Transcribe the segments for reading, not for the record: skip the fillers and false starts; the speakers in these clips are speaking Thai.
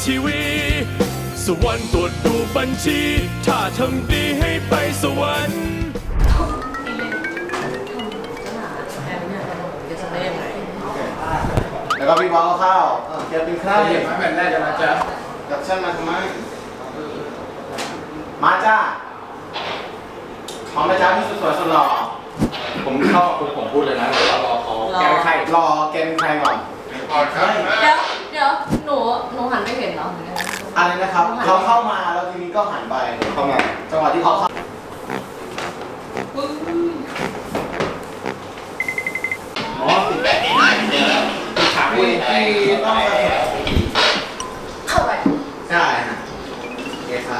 ทีวีสวรรค์ตรวจดูบัญชีถ้าทำดีให้ไปสวรรค์แล้วก็พี่บอลข้าวเก็บเป็นข้าวเด็กมาแบบแรกจะมาจ้ะกับฉันมาทำไมมาจ้าพร้อมนะจ้าพี่สุดสวยสุดหล่อผมเข้าผมพูดเลยนะแต่ว่ารอเขาแก้ไขรอเกมใครก่อนก่อนครับเดี๋ยวหนูหันไม่เห็นเหรออะไรนะครับเขาเข้ามาแล้วทีนี้ก็หันไปเข้ามาจังหวะที่เขาเข้าอ๋อแบบนี้ได้เจอแล้วถามว่าที่ต้องเข้าไปใช่ฮะโอเคค่ะ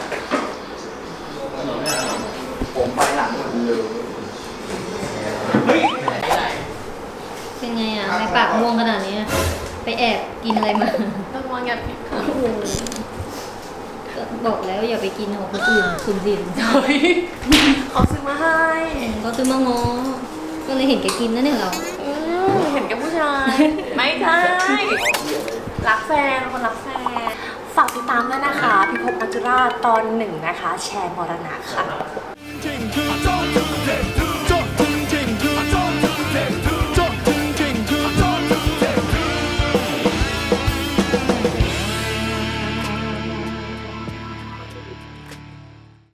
ผมไปหลังเลยเฮ้ยเป็นไงอ่ะในปากม่วงขนาดนี้ไปแอบกินอะไรมาต้องมองอย่าผิดโอ้โหก็บอกแล้วอย่าไปกินของคนอื่นสุ่มสินเฮ้ยเขาซื้อมาให้ก็ซื้อมาง้อก็เลยเห็นแกกินนั่นเองเราเห็นแกับผู้ชาย ไม่ใช่รักแฟนคนรักแฟนฝากติดตามด้วยนะคะ พิภพมัจจุราชตอน 1นะคะ แชร์มรณะค่ะจริงคือใจ